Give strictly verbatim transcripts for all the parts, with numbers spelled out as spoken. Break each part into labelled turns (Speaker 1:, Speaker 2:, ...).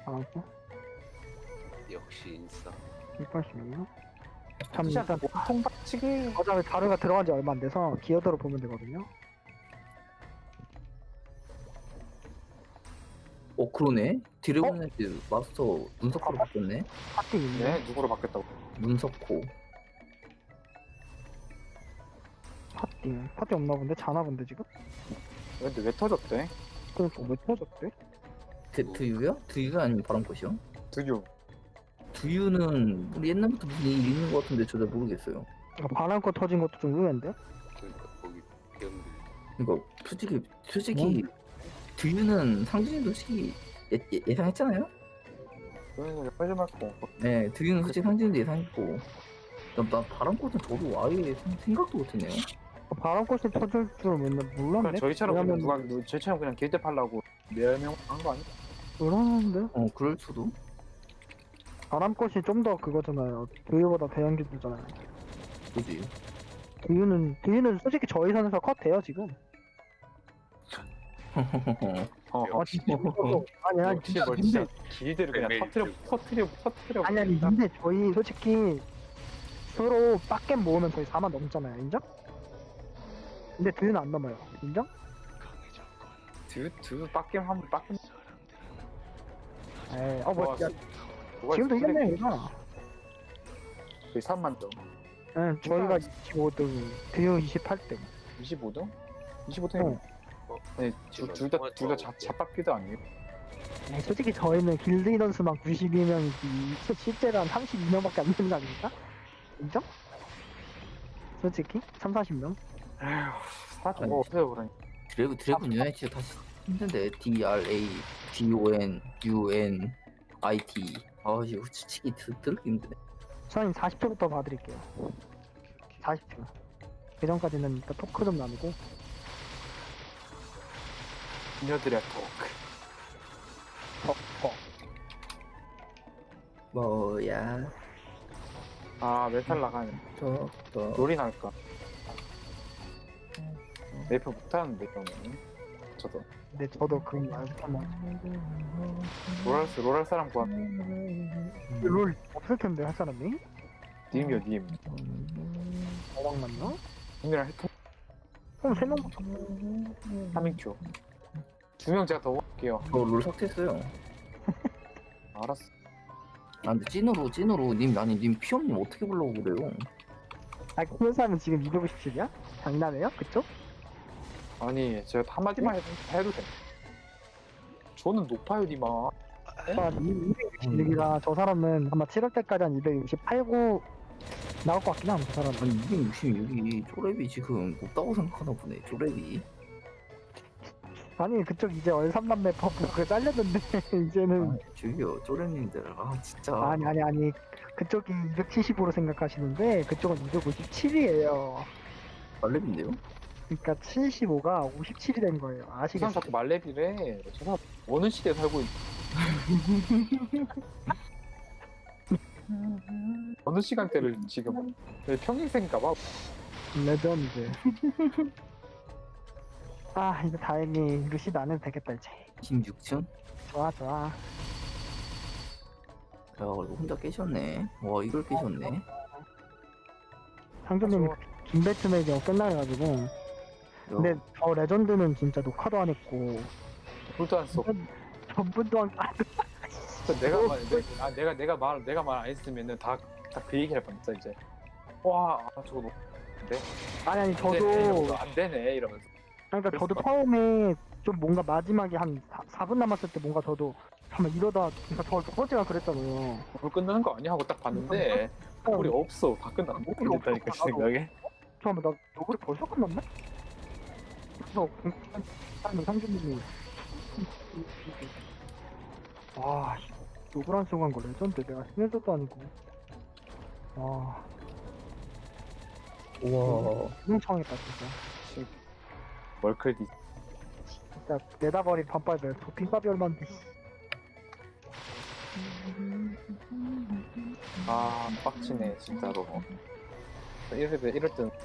Speaker 1: 알았고.
Speaker 2: 역시 인싸.
Speaker 1: 백팔십이요. 참,
Speaker 3: 진짜
Speaker 1: 일단,
Speaker 3: 보통 박치기
Speaker 1: 어차피 자료가 들어간 지 얼마 안 돼서 기어드로 보면 되거든요.
Speaker 4: 어 그러네. 드래곤헤드 마스터 문석호로 바뀌었네.
Speaker 1: 파티 있네.
Speaker 3: 네 누구로 바뀌었다고?
Speaker 4: 문석호.
Speaker 1: 파티. 파티 없나 본데? 자나 본데, 지금?
Speaker 3: 근데 왜 터졌대?
Speaker 1: 그러니까 왜 터졌대?
Speaker 4: 드, 드유요? 드유가 아니면 바람꽃이요?
Speaker 3: 드유
Speaker 4: 두유는 우리 옛날부터 무슨 일이 있는 것 같은데 저도 모르겠어요.
Speaker 1: 아, 바람껏 터진 것도 좀 의외인데?
Speaker 2: 그러니까 거기 병들.
Speaker 4: 이거 솔직히 솔직히 두유는 상준이도 솔직히 예, 예, 예상했잖아요?
Speaker 3: 그래서 빠지 말고
Speaker 4: 네, 두유는 솔직히 상준이도 예상했고 나, 나 바람꽃은 저도 아예 생- 생각도 못했네요.
Speaker 1: 바람꽃이 터질 줄은 맨날 몰랐네?
Speaker 3: 그냥 저희처럼 그냥
Speaker 1: 왜냐면
Speaker 3: 누가 누- 저희처럼 그냥 길대 팔라고 멸명한 거 아니야?
Speaker 1: 그러는데?
Speaker 4: 어 그럴 수도.
Speaker 1: 바람꽃이 좀 더 그거잖아요. 두유보다 대형기술잖아요.
Speaker 4: 그지.
Speaker 1: 두유는, 두유는 솔직히 저희 선에서 컷 돼요, 지금.
Speaker 3: 어
Speaker 1: 아, 진짜. 아니, 아니,
Speaker 3: 역시
Speaker 1: 진짜.
Speaker 3: 뭘
Speaker 1: 근데,
Speaker 3: 진짜 길대를 그냥
Speaker 2: 매일
Speaker 3: 터트려
Speaker 2: 들고.
Speaker 3: 터트려 터트려
Speaker 1: 아니, 아니,
Speaker 3: 버린다.
Speaker 1: 근데 저희 솔직히 서로 빡겜 모으면 저희 사만 넘잖아요. 인정? 근데 두유는 안 넘어요. 인정?
Speaker 3: 드 드 빡겜 하면 빡겜
Speaker 1: 에이, 어, 뭐,
Speaker 3: 와,
Speaker 1: 야,
Speaker 3: 누가
Speaker 1: 지금도
Speaker 3: 스킬에
Speaker 1: 이겼네요, 이거.
Speaker 3: 거의 삼만 점
Speaker 1: 응, 저희가 이십오 등, 두유 이십팔 등.
Speaker 3: 이십오 등? 이십오 등이
Speaker 1: 어.
Speaker 2: 어,
Speaker 3: 아니 둘다둘다 잡잡기도 아니에요?
Speaker 1: 에이, 솔직히 저희는 길드 인원수만 구십이 명이지, 실제로 한 삼십이 명밖에 안 되는 거 아닙니까? 인정? 솔직히? 삼, 사십 명?
Speaker 3: 에휴 사좀
Speaker 4: 아니.
Speaker 3: 뭐 없어요 그러니
Speaker 4: 드래곤 드래곤 유나이티드 다시 힘든데 D R A D O N U N I T 아 이거 치기 드럽게 힘드네.
Speaker 1: 저는 사십 초부터 봐드릴게요. 사십 초. 그 전까지는 일단 토크 좀 나누고.
Speaker 3: 그녀들의 토크
Speaker 1: 어, 어.
Speaker 4: 뭐야
Speaker 3: 아 멘탈 나가네
Speaker 4: 저저
Speaker 3: 롤이 날까 메이플 못하는데 그러면 저도
Speaker 1: 근데 저도 그건 말못하면
Speaker 3: 롤할 수 롤할 사람 구하
Speaker 1: 롤 없을 텐데 할 사람이?
Speaker 3: 님이요 님
Speaker 1: 어왕 맞나?
Speaker 3: 님이랑 해통
Speaker 1: 그럼 세 명부터.
Speaker 3: 삼인큐 두 명 제가 더 볼게요
Speaker 4: 롤 삭제했어요.
Speaker 3: 알았어
Speaker 4: 아 근데 찐으로 찐으로 님 아니 님 피엄님 어떻게 불러고 그래요?
Speaker 1: 아, 그런 사람은 지금 이백오십칠이야? 장난해요? 그쪽?
Speaker 3: 아니 제가 한마디만 해도, 해도 돼 저는 높아요 니마
Speaker 1: 아, 이백육십육이라 저 사람은 아마 칠월 때까지 한 이백육십팔, 구 나올 것 같긴 함, 저 사람은.
Speaker 4: 아니 이백육십육이 쪼랩이 지금 높다고 생각하나 보네. 쪼랩이.
Speaker 1: 아니, 그쪽 이제 얼삼남매 퍼프 그거 잘렸는데, 이제는.
Speaker 4: 아 저기요 쪼랩님들 아 진짜.
Speaker 1: 아니, 아니, 아니. 그쪽이 이백칠십으로 생각하시는데, 그쪽은 이백오십칠이에요.
Speaker 4: 말렙인데요?
Speaker 1: 그러니까 칠십오가 오십칠이 된 거예요.
Speaker 3: 저 사람
Speaker 1: 아시겠어요?
Speaker 3: 자꾸 말레비래 저 사람 어느 시대에 살고 있 어느 시간대를 지금 왜 평행생인가봐
Speaker 1: 레전드. 아, 이제 다행히 루시드 안 해도 되겠다, 이제.
Speaker 4: 십육 층?
Speaker 1: 좋아, 좋아.
Speaker 4: 야 그리고 혼자 깨셨네. 와 이걸 깨셨네.
Speaker 1: 상조님이 김배트맥이 끝나가지고. 근데 저 레전드는 진짜 녹화도 안 했고,
Speaker 3: 불도 안써
Speaker 1: 전분도 안, 아,
Speaker 3: 내가 말 내, 아, 내가 내가 말 내가 말 안 했으면은 다 다 그 얘기 할 뻔했어 이제 와 아, 저거 너 근데
Speaker 1: 아니, 아니,
Speaker 3: 안 되네,
Speaker 1: 저도,
Speaker 3: 이러면서 안 되네 이러면서
Speaker 1: 그러니까 저도
Speaker 3: 그랬을
Speaker 1: 처음에 좀 뭔가 마지막에 한 사 분 남았을 때 뭔가 저도, 잠깐 이러다, 그러니까 저 첫 번째가 그랬잖아요.
Speaker 3: 불 끝나는 거 아니야 하고 딱 봤는데 우리 없어 다 끝나 못 끝냈다니까 제 생각에
Speaker 1: 잠깐만, 나 노블이 벌써 끝났네? 그래서, 하는 상준님이, 와, 노블 한 순간 거 레전드. 내가 스멜도 아니고. 와,
Speaker 4: 우와.
Speaker 1: 흥청했다, 진짜.
Speaker 3: 월클디
Speaker 1: 진짜, 내다버린 반빨들, 도핑밥이 얼만데.
Speaker 3: 아 빡치네 진짜로 이럴 때 이럴 땐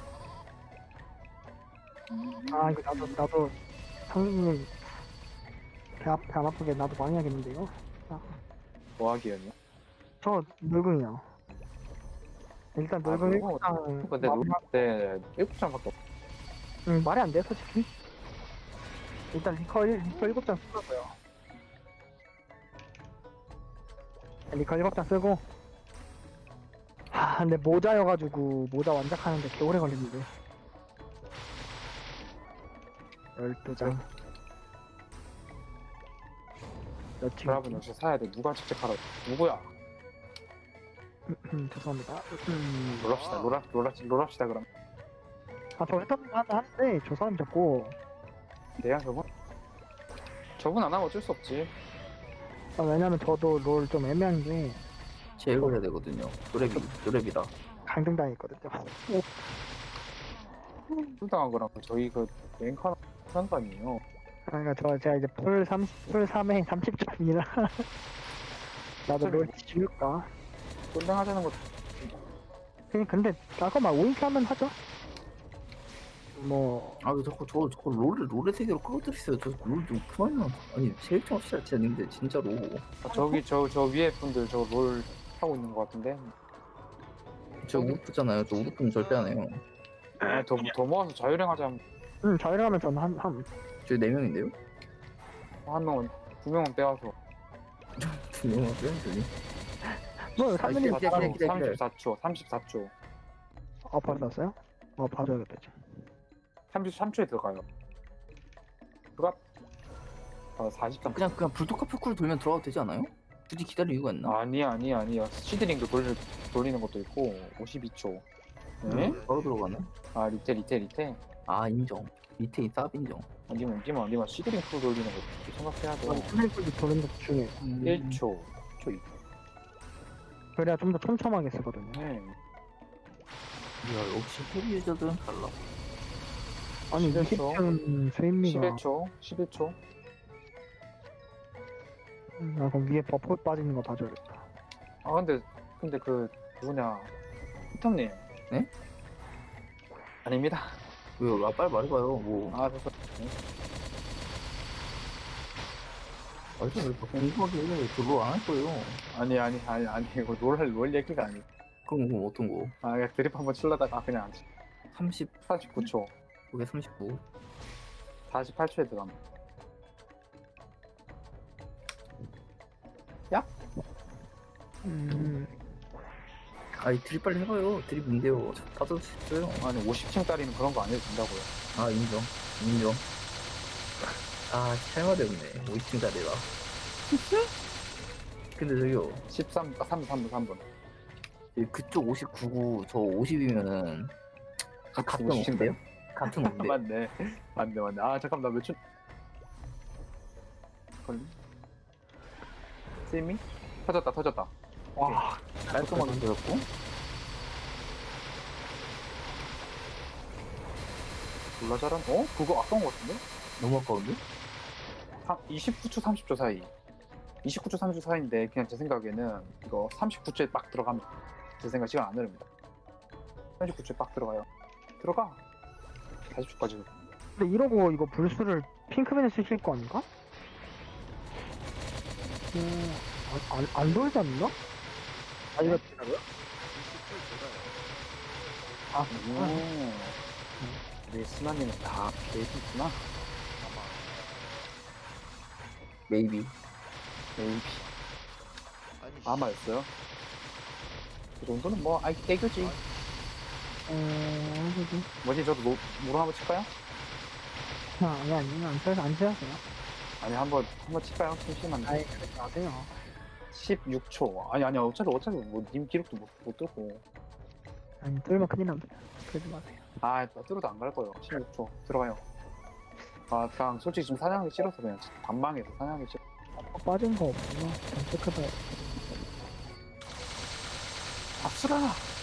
Speaker 1: 아, 이거 나도, 나도, 상준님, 배, 아, 배안 아프게 나도 많이 하겠는데, 이거? 아.
Speaker 3: 뭐 하기였냐?
Speaker 1: 저 늙은이요. 일단 늙은
Speaker 3: 늙은
Speaker 1: 일곱장
Speaker 3: 근데 롤때 일곱 장밖에 없.
Speaker 1: 음, 말이 안 돼, 솔직히. 일단 리커, 일- 리커 일곱 장 쓰고요. 리커 일곱 장 쓰고. 하, 근데 모자여가지고, 모자 완작하는데 개 오래 걸리는데. 열두 장. 몇 층?
Speaker 3: 드랍은 역시 사야 돼. 누가 직접 하라. 누구야?
Speaker 1: 음, 죄송합니다. 음,
Speaker 3: 롤합시다. 롤합 롤합 롤합시다 그럼.
Speaker 1: 아, 저 했던 거 하나 하는데, 저 사람 자꾸,
Speaker 3: 내가 저분 저분 안 하면 어쩔 수 없지.
Speaker 1: 아, 왜냐면 저도 롤 좀 애매한 게,
Speaker 4: 제일 해야 되거든요. 노래비, 노래비다.
Speaker 1: 강등당했거든요.
Speaker 3: 풀당한 거랑 저희 그 랭커 하는 거 아니에요?
Speaker 1: 그러니까 저 제가 이제 풀 삼십, 풀 삼에 삼십 점이라 나도 롤 지울까?
Speaker 3: 꿀당하자는 거.
Speaker 1: 그냥 근데 아까 막 오인큐 하면 하죠. 뭐
Speaker 4: 아, 왜 자꾸 저, 저거 롤을, 롤의 세계로 끌어들였어요. 저롤좀 그만요. 아니, 제일 좀 합시다. 진짜 근데 진짜로.
Speaker 3: 아, 저기 저 저 위에 분들 저 롤 하고 있는 거 같은데.
Speaker 4: 저 우르프잖아요. 저 우르프는 절대 안 해요.
Speaker 3: 아, 더, 더 모아서 자유랭하자.
Speaker 1: 응, 자유하면 저는 한, 한
Speaker 4: 저희 네 명인데요?
Speaker 3: 한 명은 두 명은 빼와서.
Speaker 4: 두 명은 빼야지.
Speaker 1: 뭐 삼 분이
Speaker 4: 기다려, 기다려, 기다려.
Speaker 3: 삼십사 초, 삼십사 초,
Speaker 1: 아 받았어요? 어 봐줘야겠다 지금.
Speaker 3: 삼십삼 초에 들어가요. 들어가. 아, 사십삼.
Speaker 4: 그냥, 그냥 불토카 표쿠를 돌면 들어가도 되지 않아요? 굳이 기다릴 이유가 있나?
Speaker 3: 아니야, 아니야, 아니야. 시드링도 돌, 돌리는 것도 있고, 오십이 초. 네?
Speaker 4: 바로 들어가네?
Speaker 3: 아, 리테, 리테, 리테.
Speaker 4: 아, 인정. 밑에 쌉 인정.
Speaker 3: 아니면, 아니면, 아니면 시드링 프로 돌리는 것도 생각해야 돼.
Speaker 1: 스네이크도 도는 것도 중요해요.
Speaker 3: 일 초, 초 이.
Speaker 1: 그래야 좀 더 촘촘하게 쓰거든요.
Speaker 3: 네.
Speaker 4: 이야, 역시 헤비 유저들은 달라.
Speaker 1: 아니
Speaker 3: 십일
Speaker 1: 이십
Speaker 3: 초.
Speaker 1: 점 스윗미가
Speaker 3: 십일 초, 십일 초.
Speaker 1: 음, 아 그럼 위에 버프 빠지는 거 봐줘야겠다.
Speaker 3: 아, 근데, 근데 그, 누구냐. 히텀님.
Speaker 4: 네?
Speaker 3: 아닙니다.
Speaker 4: 왜요? 아, 빨리 말해봐요. 뭐.
Speaker 3: 아, 그래서.
Speaker 4: 말좀 왜 궁금하게 해. 저로 안 할 거예요.
Speaker 3: 아니, 아니, 아니, 아니, 이거 롤, 롤 얘기가 아니.
Speaker 4: 그럼, 그럼 어떤 거?
Speaker 3: 아, 그냥 드립 한번 치려다가 그냥 안 치.
Speaker 4: 삼십,
Speaker 3: 사십구 초,
Speaker 4: 그게 삼십구.
Speaker 3: 사십팔 초에 들어갑니다.
Speaker 1: 음,
Speaker 4: 아이, 드립 빨리 해봐요. 드립 뭔데요? 다들 있어요.
Speaker 3: 아니, 오십 층짜리는 그런 거 안 해도 된다고요.
Speaker 4: 아, 인정. 인정. 아, 찰마대 없네. 오십 층짜리라. 근데 저기요.
Speaker 3: 십삼, 아, 삼 분, 삼 분, 삼 분.
Speaker 4: 이 그쪽 오십구 구, 저 오십이면은 같은 건데요? 같은 건데.
Speaker 3: 맞네. 맞네, 맞네. 아, 잠깐만, 나 몇 초. 걸리? 세미? 터졌다, 터졌다.
Speaker 1: 와
Speaker 3: 깔끔하게 터졌고. 졸라 잘한, 어? 그거 아까운 것 같은데?
Speaker 4: 너무 아까운데?
Speaker 3: 사- 이십구 초, 삼십 초 사이. 이십구 초, 삼십 초 사이인데, 그냥 제 생각에는 이거 삼십구 초에 빡 들어가면 제 생각 시간 안 흐릅니다. 삼십구 초에 빡 들어가요. 들어가. 사십 초까지.
Speaker 1: 근데 이러고 이거 불수를 핑크맨에 쓰실 거 아닌가? 음, 안, 안, 안 돌지 않나? 아 이거 뭐라고요? 아
Speaker 3: 오. 우리 스나님은 다 계획이구나.
Speaker 4: 메이비.
Speaker 3: 메이비.
Speaker 2: 아니
Speaker 3: 아마였어요. 그 정도는 뭐, 아, 애교지.
Speaker 1: 어... 그지?
Speaker 3: 뭐지, 저도 노, 노로 한번 칠까요?
Speaker 1: 아, 아니 아니 안 쳐서 안 쳐서요.
Speaker 3: 아니, 한번, 한번 칠까요? 심심한데.
Speaker 1: 아이 그러지 마세요.
Speaker 3: 십육 초. 아니, 아니, 어차피, 어차피, 뭐, 님 기록도 못, 못 들고.
Speaker 1: 아니 뚫면 큰일 납니다. 그러지 마세요.
Speaker 3: 아, 뚫어도 안 갈 거예요. 십육 초. 들어가요. 아, 그냥 솔직히 지금 사냥하기 싫어서 그냥 반망해서 사냥하기 싫어.
Speaker 1: 어, 빠진 거 없구나. 좀 체크해봐야 돼.
Speaker 3: 아수라!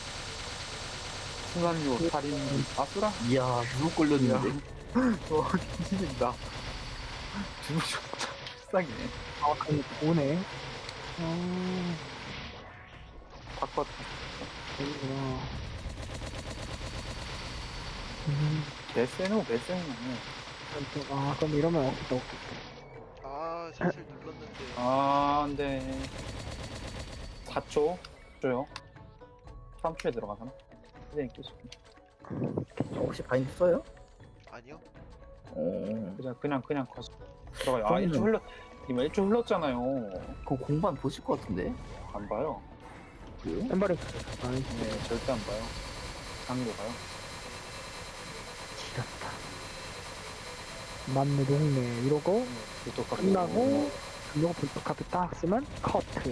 Speaker 3: 순환류, 살인, 아수라?
Speaker 4: 이야, 누구 걸렸는데?
Speaker 3: 어, 뒤집린다. 주무셨다. 불쌍해.
Speaker 1: 아 그럼 오네. 어...
Speaker 3: 바꿔.
Speaker 1: 여기구나. 음,
Speaker 3: 개쎄노, 개쎄노.
Speaker 1: 그럼 또- 아 그럼 이러면 없겠다 없겠다.
Speaker 2: 아 실실 눌렀는데
Speaker 3: 아, 안 돼. 사 초 줘요. 삼 초에 들어가서 선생님 끼시.
Speaker 4: 혹시 바인드 써요?
Speaker 2: 아니요.
Speaker 4: 어.
Speaker 3: 그냥 그냥 그냥 거시 들어가요. 아
Speaker 4: 그러면은-
Speaker 3: 일 초 흘렀. 이미 일 초 흘렀잖아요.
Speaker 4: 그거 공반 보실 것 같은데?
Speaker 3: 안 봐요.
Speaker 4: 그래요?
Speaker 1: 엠버링. 아이,
Speaker 3: 네 절대 안 봐요. 장로 가요.
Speaker 1: 지렸다. 맞네, 동네. 이러고,
Speaker 3: 불독
Speaker 1: 끝나고, 이러고 불법 카드 딱 쓰면, 커트.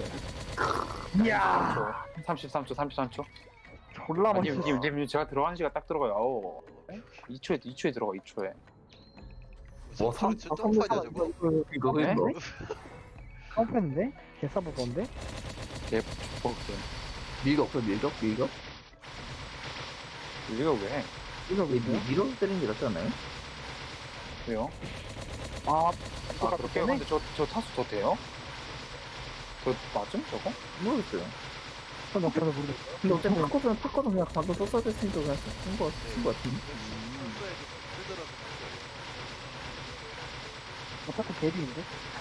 Speaker 1: 이야!
Speaker 3: 삼십삼 초 삼십삼 초.
Speaker 1: 졸라
Speaker 3: 아니
Speaker 1: 멋있어.
Speaker 3: 님, 님, 님 제가 들어가는 시간 딱 들어가요. 아우. 이 초에 이 초에 들어가 이 초에.
Speaker 2: 무슨
Speaker 4: 와, 삼-
Speaker 2: 프로츠 점프하냐 저거?
Speaker 4: 이거
Speaker 3: 네?
Speaker 4: 이거
Speaker 1: 깜빡인데? 개싸부 건데?
Speaker 3: 개 먹게.
Speaker 4: 밀격 없어 밀격 밀격?
Speaker 3: 우리가 왜?
Speaker 1: 이거
Speaker 4: 이
Speaker 1: 뭐야?
Speaker 4: 밀어 때리는 게 낫지 않나요?
Speaker 3: 왜요?
Speaker 1: 아,
Speaker 3: 아 그렇게요? 근데 저, 저 타수 더 돼요? 저 맞음 저거?
Speaker 4: 모르겠어요.
Speaker 1: 전 옆에서 모르겠어요.
Speaker 4: 근데 어차피 팝거든 팝거든 그냥 방금 썼어야 됐으니까 그냥 쓴거 쓴 거 같은데.
Speaker 2: 평소에도 뜨더라도
Speaker 1: 어차피 개비인데?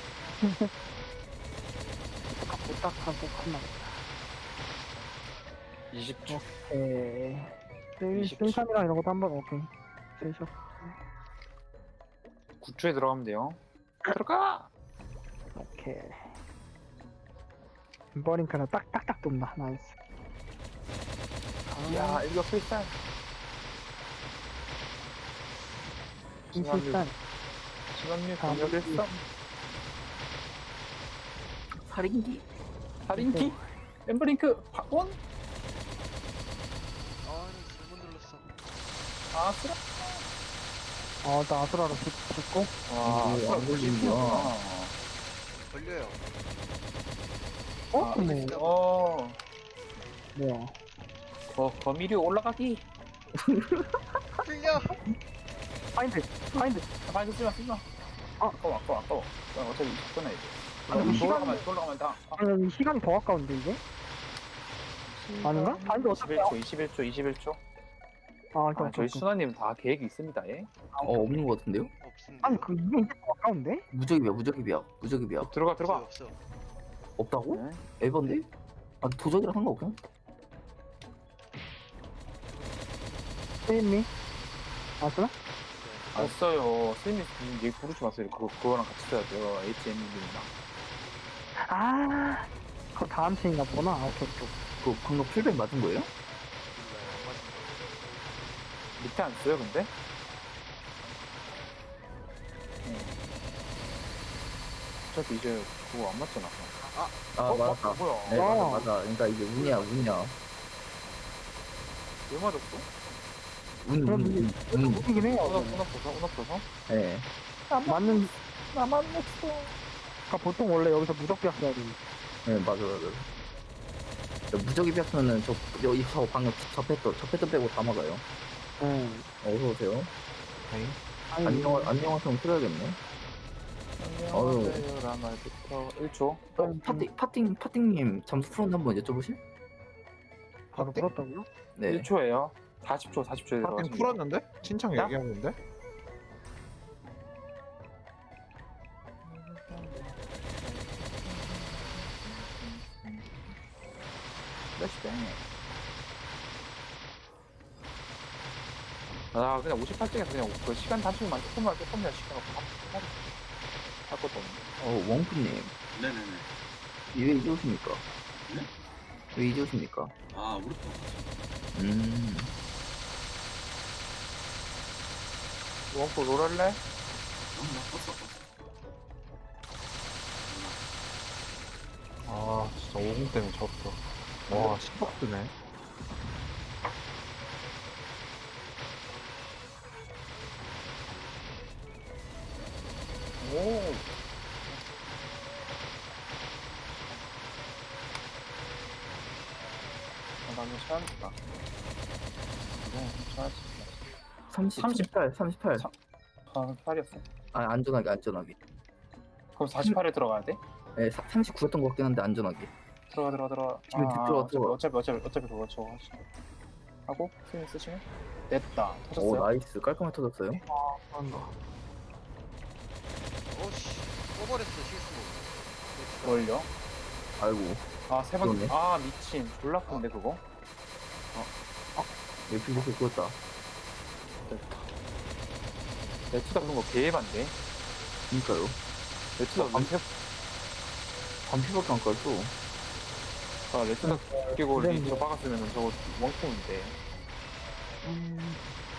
Speaker 1: 갖고 딱 하고 끝나.
Speaker 3: 이십 초.
Speaker 1: 오케이. 쓸,
Speaker 3: 이십 초.
Speaker 1: 쓸삼이랑 이런 것도 한번, 오케이. 쓸쇼.
Speaker 3: 구 초에 들어가면 돼요. 들어가!
Speaker 1: 오케이. 엠버링크는 딱, 딱딱 돕나. 나이스.
Speaker 3: 야 일격 필살.
Speaker 1: 일단
Speaker 3: 시간류
Speaker 1: 다음
Speaker 3: 공격 일삼.
Speaker 4: 살인기?
Speaker 3: 살인기? 엠브링크 박원?
Speaker 2: 아 잘못 눌렀어.
Speaker 3: 아스라?
Speaker 1: 어, 나 아수라로 붙, 붙고.
Speaker 3: 와
Speaker 4: 오,
Speaker 3: 아스라
Speaker 4: 안 걸리는구나.
Speaker 3: 구십이구나.
Speaker 2: 걸려요.
Speaker 1: 어?
Speaker 3: 아,
Speaker 1: 뭐,
Speaker 3: 어.
Speaker 1: 뭐야.
Speaker 3: 거, 거미류 올라가기.
Speaker 2: 끌려.
Speaker 1: 파인드, 파인드.
Speaker 3: 많이 쓰지 마, 쓰지 마.
Speaker 1: 아.
Speaker 3: 아까워, 아까워, 아까워. 야, 어차피 이십 분 해야 돼.
Speaker 1: 아니, 시간이-
Speaker 3: 올라가면, 올라가면 다. 아,
Speaker 1: 아니, 시간이 더 아까운데, 이게? 아닌가? 파인드 어떻게
Speaker 3: 이십일 초, 이십일 초, 이십일 초.
Speaker 1: 아,
Speaker 3: 아,
Speaker 1: 오케이,
Speaker 3: 저희
Speaker 1: 오케이.
Speaker 3: 순아님 다 계획이 있습니다, 예?
Speaker 4: 어 없는 거 같은데요?
Speaker 2: 없습니다.
Speaker 1: 아니, 그, 이게 이제 더 아까운데?
Speaker 4: 무적이야 무적이야 무적이야
Speaker 3: 들어가, 들어가.
Speaker 2: 없어.
Speaker 4: 없다고?
Speaker 3: 네.
Speaker 4: 에반데? 아 도적이랑 상관없구나.
Speaker 1: 세인니? 아수라?
Speaker 3: 없어요. 스님 얘기 부르지 마세요. 그거, 그거랑 같이 써야 돼요. 에이치엠님이랑.
Speaker 1: 아, 그거 다음 시인가 보구나. 아, 오케이, 오케이.
Speaker 4: 그 방금 풀백 맞은 거예요?
Speaker 2: 몰라요. 안 맞은 거.
Speaker 3: 밑에 안 써요, 근데? 네. 어차피 이제 그거 안 맞잖아.
Speaker 4: 아
Speaker 3: 어,
Speaker 4: 맞았다.
Speaker 3: 어, 뭐야?
Speaker 4: 네
Speaker 1: 어.
Speaker 4: 맞아 맞아. 그러니까 이게 운이야 운이야.
Speaker 3: 왜 맞았어?
Speaker 4: 운
Speaker 1: 그럼
Speaker 4: 운
Speaker 1: 이게
Speaker 4: 운. 운.
Speaker 1: 웃기긴 해요.
Speaker 3: 운업, 운업도서? 운업도서?
Speaker 4: 네.
Speaker 1: 맞는,
Speaker 3: 나만 냈어.
Speaker 1: 그러니까 보통 원래 여기서 무적비였어야 돼.
Speaker 4: 네 맞아 맞아. 무적이 비었으면은 저 여기 저 방금 저 패도 저 패도 빼고 다 막아요.
Speaker 1: 응.
Speaker 4: 어서 오세요.
Speaker 1: 아니,
Speaker 4: 안녕 안녕하세요 틀어야겠네.
Speaker 3: 안녕하세요. 라말부터 일 초.
Speaker 4: 어, 파팅 파팅 파팅님 잠수 풀었나 한번 여쭤보실?
Speaker 1: 바로 풀었다고요?
Speaker 4: 네.
Speaker 3: 일 초예요. 사십 초, 사십 초에
Speaker 5: 파팅
Speaker 3: 들어가시면
Speaker 5: 풀었는데? 친창
Speaker 3: 야?
Speaker 5: 얘기하는데?
Speaker 3: 플래시뱅. 아 그냥 오십팔 층에서 그냥 그 시간 단축만 조금만 조금만 시켜놓고 할, 할 것도 없네.
Speaker 4: 어 원프님
Speaker 6: 네네네.
Speaker 4: 왜 이제 오십니까?
Speaker 6: 네?
Speaker 4: 왜 이제 오십니까?
Speaker 6: 아, 우리 또.
Speaker 4: 음.
Speaker 3: 원포 롤할래?
Speaker 6: 어, 나 떴어, 떴어.
Speaker 5: 아 진짜 오공 때문에 졌어. 와 십억 드네.
Speaker 3: 오. 아, 나는 쳐야겠다. 네, 쳐야지.
Speaker 4: 삼십,
Speaker 3: 삼십.
Speaker 4: 삼십팔, 삼십팔.
Speaker 3: 삼- 아, 팔이었어.
Speaker 4: 아, 안전하게, 안전하게.
Speaker 3: 그럼 사십팔에 들어가야 돼?
Speaker 4: 네, 사, 삼십구였던 것 같긴 한데, 안전하게.
Speaker 3: 들어가, 들어가, 들어가.
Speaker 4: 지금 들어가,
Speaker 3: 어차피,
Speaker 4: 들어가.
Speaker 3: 어차피, 어차피, 어차피 그거 저거 하시 하고, 스윙 쓰시면? 됐다.
Speaker 4: 오,
Speaker 3: 터졌어요?
Speaker 4: 나이스. 깔끔하게 터졌어요.
Speaker 1: 한다.
Speaker 2: 어씨. 꺼버렸어 실수로.
Speaker 3: 뭘요?
Speaker 4: 아이고.
Speaker 3: 아세 번.
Speaker 4: 그러네.
Speaker 3: 아 미친. 졸라 큰데 그거.
Speaker 4: 왜 빌드를 그었다.
Speaker 3: 레투다 그런 거 개반데.
Speaker 4: 그니까요.
Speaker 3: 레투다 반피.
Speaker 4: 반피밖에 안 깔았어.
Speaker 3: 아 레투다 끼고
Speaker 1: 그래,
Speaker 3: 리저 박았으면 저거 원콤인데.
Speaker 1: 음,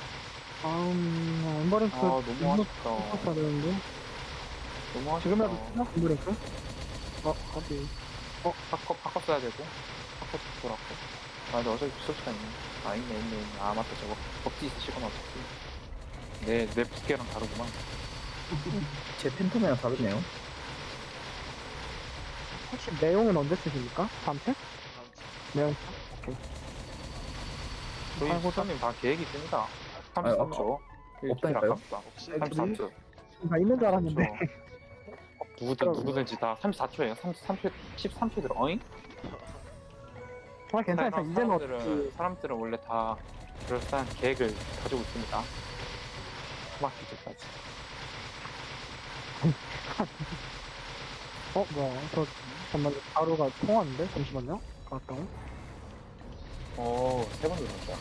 Speaker 1: 다음 엠버링크
Speaker 3: 아 너무 아쉽다.
Speaker 1: 써야 되는데
Speaker 3: 너무
Speaker 1: 지금이라도
Speaker 3: 아쉽다.
Speaker 1: 쓰나? 엠버링크? 어 어디?
Speaker 3: 어 바꿔 바꿔 써야 되고. 바꿔 돌았고. 아 근데 어차피 소치가 있네. 아 있네 있네 있네. 아 맞다 저거 법지 있으시거나 어차피. 내내 부캐랑 다르구만.
Speaker 4: 제 팬텀이랑 다르네요.
Speaker 1: 혹시 내용은 언제 쓰십니까? 다음 책?
Speaker 2: 다음 주.
Speaker 1: 내용
Speaker 3: 저희
Speaker 1: 아이고,
Speaker 3: 수사님 다 계획이 있습니다.
Speaker 4: 아니,
Speaker 3: 삼십삼 초.
Speaker 4: 없다니까요?
Speaker 3: 아깝다.
Speaker 2: 없어요.
Speaker 3: 삼십삼 초.
Speaker 1: 다 있는 줄 알았는데
Speaker 3: 누구든 누구든지 다 삼십사 초예요. 삼십삼 초, 십삼 초 들어. 어잉?
Speaker 1: 아 괜찮아
Speaker 3: 사람-
Speaker 1: 이제는
Speaker 3: 사람들은
Speaker 1: 어떻게
Speaker 3: 사람들은 원래 다 그럴싸한 계획을 가지고 있습니다. 마키즈까지.
Speaker 1: 어 뭐야 저 잠깐만 바로가 통화하는데 잠시만요 갔다고
Speaker 3: 오, 세번 들어갔다.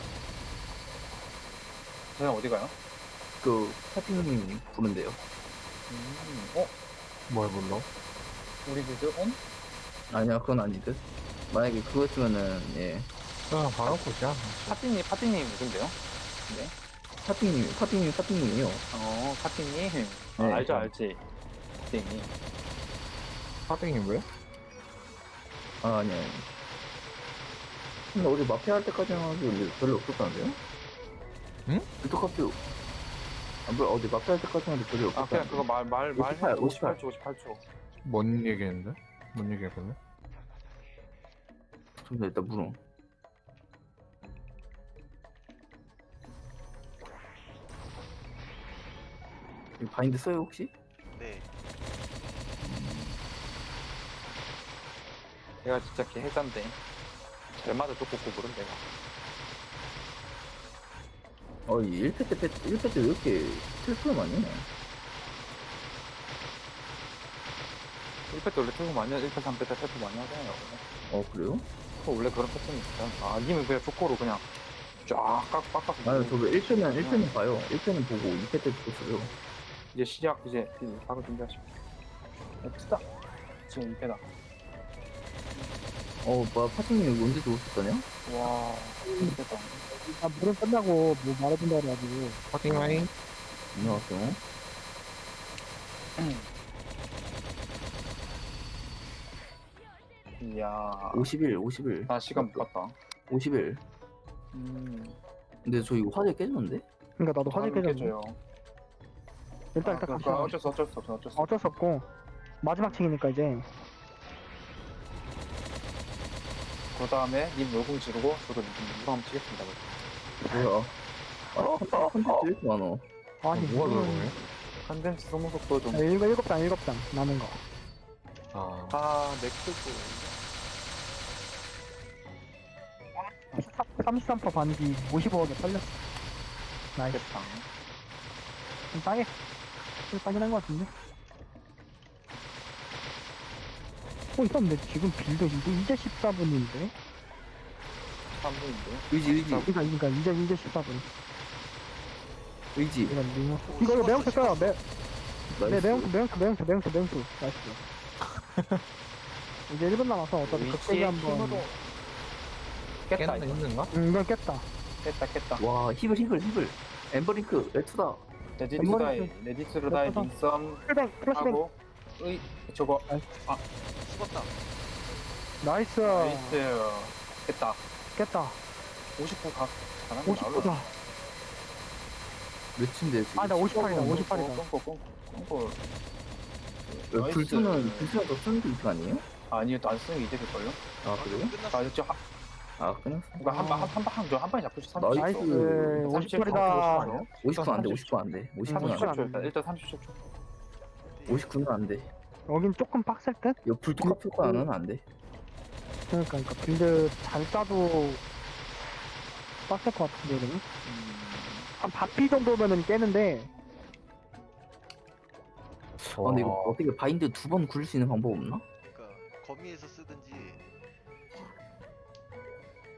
Speaker 3: 그냥 어디 가요?
Speaker 4: 그 파팅님 부른대요.
Speaker 3: 음, 어?
Speaker 5: 뭘 불러?
Speaker 3: 우리 비드 온?
Speaker 4: 아니야, 그건 아니듯. 만약에 그거였으면은 예.
Speaker 5: 그냥 바로 보자.
Speaker 3: 파티님, 파티님 누군데요? 네.
Speaker 4: 파팅님, 파팅님, 파팅님이요.
Speaker 3: 어, 파티님. 아,
Speaker 4: 네.
Speaker 3: 알죠, 알지. 파티님.
Speaker 5: 하딩이 왜?
Speaker 4: 아 아니야. 아니야. 근데 어제 마피아 할 때까지는 아주 별로 없었다는데요?
Speaker 5: 응?
Speaker 4: 빌드카피 아, 뭐 어제 마피아 할 때까지는 아주 별로
Speaker 3: 아,
Speaker 4: 없었다.
Speaker 3: 그냥 그거 말, 말, 말.
Speaker 4: 오십팔,
Speaker 3: 오십팔 초, 오십팔 초.
Speaker 5: 뭔 얘기했는데? 뭔 얘기했길래?
Speaker 4: 좀 더 일단 물어. 이 바인드 써요 혹시?
Speaker 2: 네.
Speaker 3: 내가 진짜 개 해잔데. 잘 맞아 쫓고 고부른 내가.
Speaker 4: 어, 이 일 패 때, 패, 일 패 때 왜 이렇게 텔프를 많이 해?
Speaker 3: 일 패 때 원래 태고 많이 하, 일 패, 삼 패 때 태고 많이 하잖아요.
Speaker 4: 어, 그래요?
Speaker 3: 그 원래 그런 패턴이 있어요. 아, 님은 그냥 쫓고로 그냥 쫙 깎, 깎아서.
Speaker 4: 아니, 저왜 일 패는, 일 패는 봐요. 일 패는 보고 이 패 때 또 써요.
Speaker 3: 이제 시작, 이제 바로 준비하시고. 엑스다. 지금 이 패다.
Speaker 4: 어, 뭐야, 파팅님 언제 들어오셨다냐?
Speaker 3: 와, 이 패다.
Speaker 1: 아 물은 끝나고 뭐 말해준다 그래가지고
Speaker 5: 하딩 라인?
Speaker 4: 안녕하세요.
Speaker 3: 이야.
Speaker 4: 오십일, 오십일.
Speaker 3: 나 시간 못 봤다.
Speaker 4: 오십일.
Speaker 3: 음.
Speaker 4: 근데 저 이거 화재 깨졌는데?
Speaker 1: 그러니까 나도 화질 깨졌네
Speaker 3: 깨져요.
Speaker 1: 일단
Speaker 3: 아,
Speaker 1: 일단
Speaker 3: 그,
Speaker 1: 갑시다
Speaker 3: 그, 어쩔 수 어쩔 수 없어 어쩔 수 없어.
Speaker 1: 어쩔 수 없고 마지막 책이니까 이제
Speaker 3: 그 다음에 님 열공 지르고 저도 이거 한번 치겠습니다.
Speaker 4: 뭐야? 아, 컨텐츠 컨텐츠 왜 이렇게 많아?
Speaker 1: 아니
Speaker 5: 뭐가
Speaker 1: 무슨-
Speaker 5: 들어오네?
Speaker 3: 컨덴스 소모 속도 좀.
Speaker 1: 아, 일곱 일곱 장 일곱 장 남은 거
Speaker 5: 아,
Speaker 3: 아, 맥주고.
Speaker 1: 삼십삼 퍼센트 반기 오십오 원에 팔렸어 나이스
Speaker 3: 됐다.
Speaker 1: 좀 싸게 좀 싸긴 한 거 같은데 어 이건데 지금 빌드 이거 이제 십사 분인데
Speaker 3: 삼 분인데.
Speaker 4: 의지, 의지,
Speaker 1: 그러니까 그러니까 이제 이제 십사 분
Speaker 4: 의지.
Speaker 1: 이거 리모 이거 이거 매운표 써요 매 네,
Speaker 4: 나이스.
Speaker 1: 매운표 매운표 매운표 매운표 매운표 나이스 이제 일 분 남아서 어차피 극대기
Speaker 3: 위치의
Speaker 1: 한번
Speaker 3: 힘으로 깼다.
Speaker 5: 깼나
Speaker 3: 이거.
Speaker 5: 힘든가?
Speaker 1: 음 이건 깼다
Speaker 3: 깼다 깼다.
Speaker 4: 와, 히글, 히글, 히글. 엠버링크, 레투다.
Speaker 3: 레디트다이
Speaker 1: 엠버링크.
Speaker 3: 레디트다이
Speaker 1: 레터다.
Speaker 3: 링썸
Speaker 1: 플뱅 플래시뱅
Speaker 3: 하고 의 저거
Speaker 2: 죽었다.
Speaker 1: 나이스
Speaker 3: 나이스 깼다.
Speaker 1: 깼다
Speaker 3: 오십구 각 가는
Speaker 1: 오십구다
Speaker 4: 몇인데 지금?
Speaker 1: 아 나 오십팔이다 오십팔이다
Speaker 3: 꽁꽁 꽁꽁 꽁꽁.
Speaker 4: 왜
Speaker 3: 나이스.
Speaker 4: 불투는, 불투는 더 쓰는 게 이거 아니에요?
Speaker 3: 아니요 안 쓰는 게 이제 될걸요?
Speaker 4: 아, 그래요?
Speaker 2: 끝났어.
Speaker 3: 아 이제 한
Speaker 4: 아, 끝났어.
Speaker 3: 그러니까 한방한방한 방에 잡고 싶어.
Speaker 4: 나이스.
Speaker 1: 나이스
Speaker 3: 삼십칠
Speaker 1: 오십팔이다
Speaker 4: 오십구 안 돼, 오십구 안 돼. 오십구는 안 돼.
Speaker 1: 삼십칠.
Speaker 3: 삼십칠 초 일단 삼십칠 초.
Speaker 4: 오십구는 안 돼.
Speaker 1: 여긴 조금 빡셀 듯?
Speaker 4: 이거 불투 효과는 안 돼.
Speaker 1: 그러니까 그러니까 빌드 잘 짜도 빡셀 것 같은데 여기는 한 바피 정도면은 깨는데
Speaker 4: 아, 근데 이거 어떻게 바인드 두 번 굴릴 수 있는 방법 없나?
Speaker 2: 그러니까 거미에서 쓰든지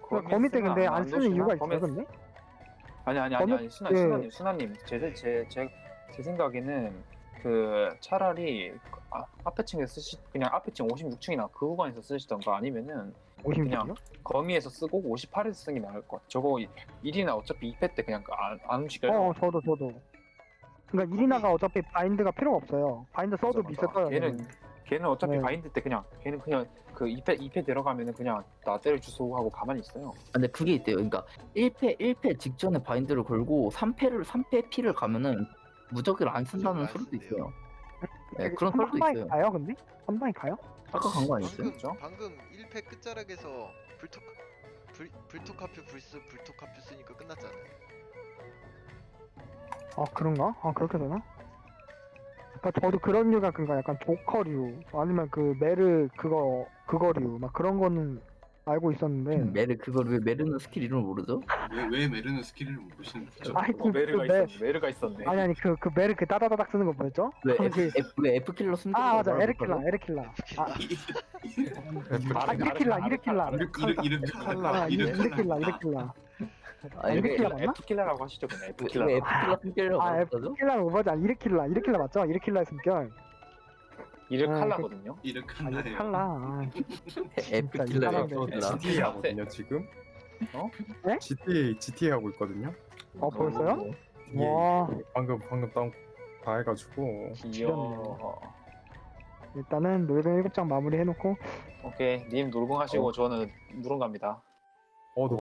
Speaker 1: 그러니까 거미 때
Speaker 3: 쓰면
Speaker 1: 근데
Speaker 3: 안
Speaker 1: 안 쓰는
Speaker 3: 도시나?
Speaker 1: 이유가
Speaker 3: 거미-
Speaker 1: 있어요 근데?
Speaker 3: 아니 아니 아니
Speaker 1: 거미-
Speaker 3: 아니 순아
Speaker 1: 예.
Speaker 3: 순아님 순아님 제제제 제 제 생각에는 그 차라리 아, 앞에 층에 쓰시 그냥 앞에 층 오십육 층이나 그 구간에서 쓰시던가 아니면은
Speaker 1: 오십육이요?
Speaker 3: 거미에서 쓰고 오십팔에서 쓰는 게 나을 것 같아. 저거 일이나 어차피 이 패 때 그냥 안, 안 움직여요.
Speaker 1: 어 저도 저도. 그러니까 이리나가 어차피 바인드가 필요가 없어요. 바인드 써도
Speaker 3: 맞아,
Speaker 1: 미스
Speaker 3: 맞아.
Speaker 1: 떠요.
Speaker 3: 걔는 걔는 어차피
Speaker 1: 네.
Speaker 3: 바인드 때 그냥 걔는 그냥 그 이 패 이 패 들어가면은 그냥 나 때려 주소 하고 가만히 있어요.
Speaker 4: 근데 그게 있대요. 그러니까 일 패 일 패 직전에 바인드를 걸고 삼 패를 삼 패 피를 가면은 무적을 안 쓴다는
Speaker 2: 무적을 안
Speaker 4: 소리도
Speaker 2: 쓴대요.
Speaker 4: 있어요. 네, 그런
Speaker 1: 한
Speaker 4: 설도
Speaker 1: 방에
Speaker 4: 있어요.
Speaker 1: 가요 근데? 한 방에 가요?
Speaker 4: 아까 간 거 아니었어요?
Speaker 2: 방금
Speaker 3: 그죠?
Speaker 2: 방금 일 패 끝자락에서 불토 불 불토카표 불스 불토카표 쓰니까 끝났잖아요.
Speaker 1: 아 그런가? 아 그렇게 되나? 그러니까 저도 그런 류가 그니까 약간 조커류 아니면 그 메르 그거 그거류 막 그런 거는 알고 있었는데
Speaker 4: 메르 그걸 왜 메르는 스킬 이름을 모르죠?
Speaker 6: 왜, 왜 메르는 스킬을 못 보시는 거죠?
Speaker 1: 아니
Speaker 3: 어,
Speaker 1: 그,
Speaker 3: 메르가
Speaker 1: 그 메,
Speaker 3: 있었네. 메르가 있었네.
Speaker 1: 아니 아니 그 그 메르 그 따다다닥 쓰는 거 뭐였죠?
Speaker 4: 왜
Speaker 1: 그-
Speaker 4: F, F, 왜 F 킬러 숨겨?
Speaker 1: 아 맞아 에르킬라 에르킬라 아, 아 이르킬라 이르킬라
Speaker 6: 이르 이르 칼라
Speaker 1: 아 이르-
Speaker 6: 이르
Speaker 1: 이르킬라 이르킬라
Speaker 4: 아,
Speaker 1: 이렇게
Speaker 4: 왜,
Speaker 1: 킬러 맞나?
Speaker 3: F 킬러라고 하시죠 그냥 F
Speaker 4: 왜,
Speaker 3: 킬러.
Speaker 4: 왜 F 킬러 숨기려고
Speaker 1: 아
Speaker 4: 하죠?
Speaker 1: 에르킬라는 오버지 아니 이르킬라 이르킬라 맞죠? 이르킬라의 숨결
Speaker 3: 이르
Speaker 1: 아,
Speaker 3: 칼라거든요.
Speaker 6: 이르
Speaker 1: 아
Speaker 6: 칼라예요.
Speaker 1: 이르칼라 아,
Speaker 4: F
Speaker 1: 진짜
Speaker 4: 킬러
Speaker 1: 이상한데.
Speaker 5: 저 지티에이 하거든요 지금.
Speaker 3: 어?
Speaker 1: 네?
Speaker 5: 지티에이 지티에이 하고 있거든요.
Speaker 1: 어 벌써요?
Speaker 5: 예,
Speaker 1: 와
Speaker 5: 방금 방금 다운 다 해가지고.
Speaker 3: 귀여워.
Speaker 1: 일단은 놀뱅 일곱 장 마무리 해놓고
Speaker 3: 오케이 님 놀궁 하시고 저는 누룽 갑니다.
Speaker 5: 어, 너